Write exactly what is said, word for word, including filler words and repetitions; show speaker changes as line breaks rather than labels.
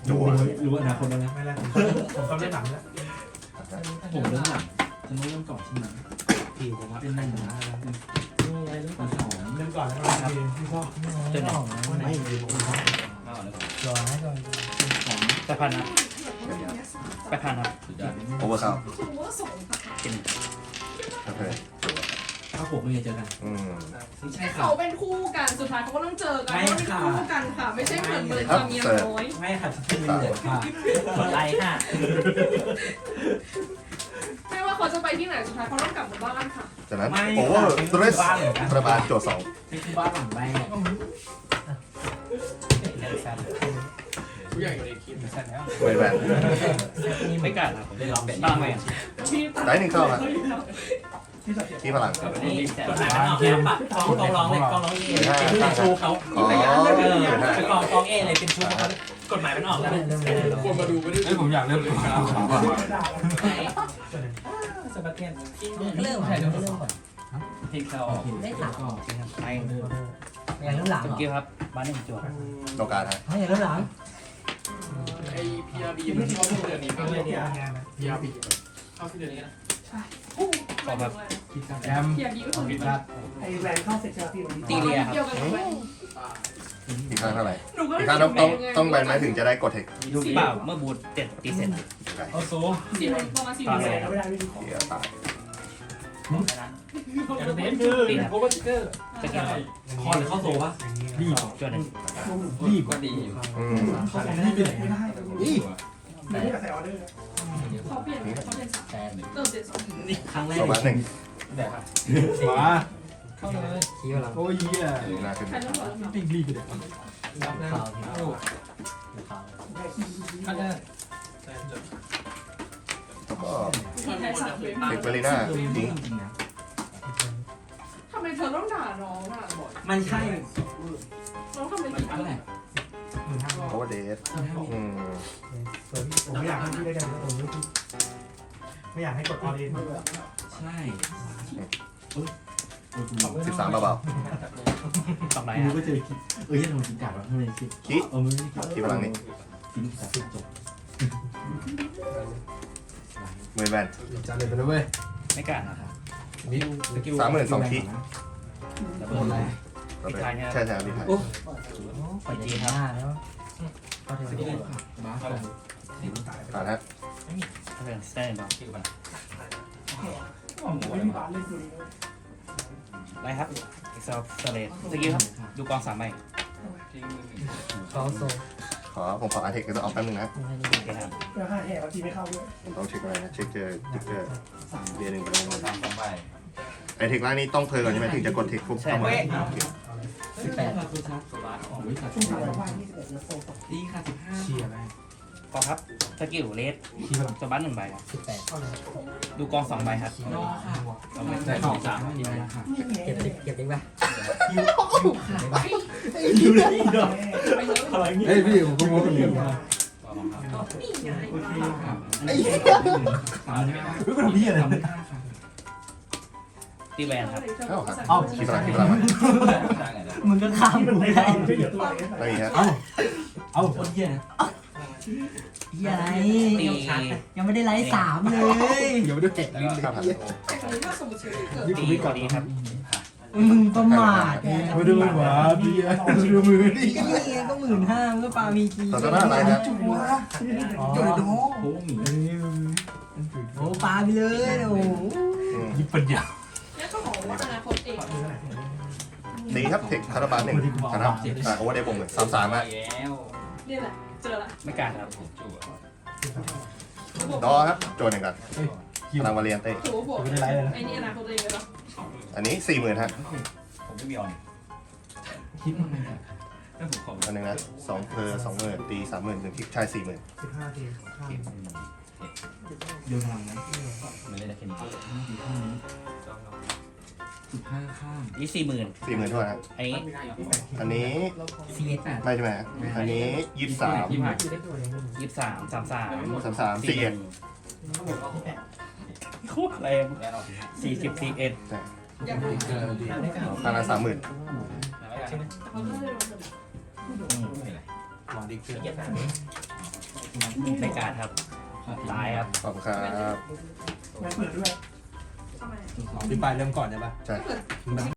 จั่ว
รู้อนาคตแล้วนะ
ไม่แล้วผมต้องเล่นหนังแล้ว
ผมเริ่มหลังจะไม่เริ่มก่อนใช่ไหม
ผิวผม
เป็นหนึ่งนะเป็นสอง
เริ่มก่อนแล้วกันพี่พ่อ
เจ้าหน่อง
ไม่ดีผม
รอให้ก่อน
สอง
แปดพันนะแปดพันครับ
โอเวอร์คัพ
กิน
โอเค
ถ้าผมไม่เคยเจอกัน
อืม
ไม่ใช่ค่ะ
เขาเป็นคู่กันสุดท้ายเขาก็ต้องเจอกันเพราะเป็นคู่กันค่ะ ไม่ใช่เหมือนเหมือนจะมีน้อย
ไม่ค่ะจะเป็นเหลือค่ะ
อะไรค่ะ
ไม่ว่าเขาจะไปที่ไหนสุดท้ายเขาต้องกลับมาบ้านค่ะ
จากนั้นโอเวอร์สเตรสประมาณจั่วสอง
นี่คือบ้านหลังแรก
ผู้ใหญ่ในคลิปสั้นแล้ว
เวทแวน
ไม่กัดครับได้ลองเป็นบ้างไหม
ที่
ได้หนึ่งเข้าครับที่พลัง
นี่กฎหมายมันออกแล้วปะกองกองร้องเลยกองร้องเอเป็นชูเขา
อ๋อ
เออเป็นกองกองเอเลยเป็นชูเขากฎหมายมันออกแล้ว
คนมาดูไม่ได้
เฮ้ยผมอยากเริ่มข่าวข่าวก่อน
สปาเกต
เริ่มใช่เริ่มก่อน
ทิ้งเขา
ได้ถาม
ไป
อย่างเริ่มหลัง
สกิลครับบ้านหนึ่งจั่ว
โลกาฮะ
ให้อย่างเริ่มหลัง
ไอ้พีอาร์บีมันเข้าที่เดือนนี้ก็เลยเนี่ยพีอาร์บีเข้าที่เดือนนี้นะ
ขอแบบ
คิดกันแอม
เพียร์ดีก็คือ
คิ
เ
ดกัน
ไอ้แวนเข้าเสร็จใช่ไหมพี่
ตีเรียครับ
กี่ยวกันกับแวน
อีกครั้งเท่าไหร่
หนูก็
อี
ไม่
กครั้งต้องต้องต้องแบนไหมถึงจะได้กดเทค
ดูเปล่าเมื่อบูทเจ็ดตีเสร็จ
โอ้โซ
สี่ประมาณสี่
แว
เซ
น
น
ก็ไม่ได้ไม่มีของ
เดี๋ยวตาย
อย่างเน้นคือโคบัสเกอร์
สกิล
คอหรือเข้าโซวะรีบ
จั่วหนึ่ง
รีบก็ดี
อืม
เขาแต่ไม่ได้ไม่ได้นี่ไม่ได้ใส่ออเดอร์
เขาเปลี่ยนเขาเปลี่ยนสาม
แปด
เติมเจ็ดสอง
ครั้งแรก
โซบัสหนึ่ง
มา
เข้าเลยขี้พลัง
โอ้ยเหี้ย
หน้าขึ้น
ใครต้องบอก
ปิ้งรีบไปเดี๋ยว
ข่าวที่ข่าว
ข้างหน้า
แล้วก็
ใครสาม
เทคเบลีน่าทิ้ง
ทำไมเธอต้องด่าน้องอ่ะ
มันใช่
น้องทำเป็นผิด
เท่าไหร่
โอเวอร์เดสอืม
ผมไม่อยากให้พี่ได้กันผมไม่ไม่อยากให้กดออเดอร์
ใช่
สิบสามเบา
สองไร
กู
ครับ
ก็เจอคิดเอ้ยทำไมคิดกัดวะทำไมคิด
ๆคิด
เออไม่ได้คิด
ที่พลังนี้
คิดแต่จบ
มือแวน
จานเลยไปเลยเว้ย
ไม่กัดนะครับ
สามหมื่นสองคิด
แล้ว
โด
เบิร์
น
น
อะไร
ใช่ใช่พี่ไทย
ปล่อยจีห้าแล้วก็เท
สกิล
ว
บ้า
ผ่านฮะ
ถ้าเป็นสแตนด์บอก
ผมไม่มีบาทเล่นตัวนี้
ไรครับเอ็กซ์เซเลตสกิลครับดูกองสามใบ
เขาโซ
ขอผมขออาร์เทคก็ต้องเอาแป๊บนึงนะ
ไม่ได้
โอเคครับ
เพื่อห้าแห่บางทีไม่เข้าด้วย
ผมต้องเช็คอะไรนะเช็คเจอติ๊กเกอร์เรียนหนึ่งไปเลย
สามสองใบ
ไอเทคล่างนี้ต้องเพลินก่อนใช่ไหมถึงจะกดเทคปุ๊บเข้ามาโอเค
สิบแปด
คือชักโอ้ยขาด
ช่วงสามวันยี่สิบเอ็ดแล้วโซ่สอง
ดีขาดสิบห้า
เชียร์ไหม
กองครับสกิลเลส
คิดว่า
สบัสหนึ่งใบครับ
สิบแปด
ดูกองสองใบครับ
รอค่ะ
สองใบ
แต่สองสามดีนะค่ะ
เก็บติ๊กเก็บติ๊กไป
อยู่เลยอีกดอก
ไปเลย
เฮ้ยพี่ผมก็มองคนเดียวมา
นี่ไง
โอเคค่ะไอ้เหี้ยสามใช่ไหมเฮ้ยเป็นพี่อะไร
ตีแวนครับ
เอ้าครับเอ้าคิดพลังคิดพลังมา
มึงก็ข้ามกูไม่ได้
ช่วยเหลือตัวเอง
ไม่มีฮะ
เอ้าเอ้าคนเหี้ยนะ
เฮียอะไร
ตี
ยังไม่ได้ไลฟ์สามเลย
เดี๋ยวไปดูเจ็ด
แล้วก็ข้ามผ่าน
แต่คนนี้ถ้าสมมติเฉยเกิด
ตีก่อนดีครับ
มึงประมาทไง
มาดูหวาพี่ดูมือดิ
ก็นี่ไงก็หมื่นห้ามันก็ปามีจี
ต่อจากนั้นอะไรนะ
อ๋อ
โอ้หมี
โอ้ปาไปเลยโอ้
อืม
ยิบปัญญา
เนี่ยก็บอกว่าอนาคตเอง
ตีครับเทคคาราบาลหนึ่งนะครับอ่าโอเวอร์เดย์บวกหนึ่งสามสามฮะ
เนี่ยแหละเจอละ
ไม่กัดครับ
ดอครับโจนหนึ่งกันพลังวาเลียนเต้
ถือว่าบวกไอ้นี่อนาคตเองเลยปะ
อันนี้สี่หมื่นฮะ
ผมไม่มีออน
คิดมันไง
อันหนึ่งนะสองเพอร์สองหมื่นตีสามหมื่นหนึ่งคิดชายสี่หมื่น
สิบห้าทีข้าม
โยนพลังนะ
ไม่เล่นแค่นี้
สิบห้าข้าง
ยี่สี่หมื่น
สี่หมื่นเท่าไหร่ฮะ
ไอ้
อันนี้
ซีเอสแปด
ไม่ใช่ไหมฮะอันนี้ยี่สิบสาม
ยี่ห้า
ยี่สามสามสาม
สามสามสี่เอ็ด
โคตรแรงสี่สิบสี่เอ็ด
อยากดู
พลังสามหมื่น
เขาก็เลยลง
อืม
หวังดีเกิน
ในการครับตายครับ
ขอบคุณครับ
ไม่เปิดด้วย
ทำไม
พี่ปลายเริ่มก่อนใช่ปะ
ใช่
ถ้าเกิด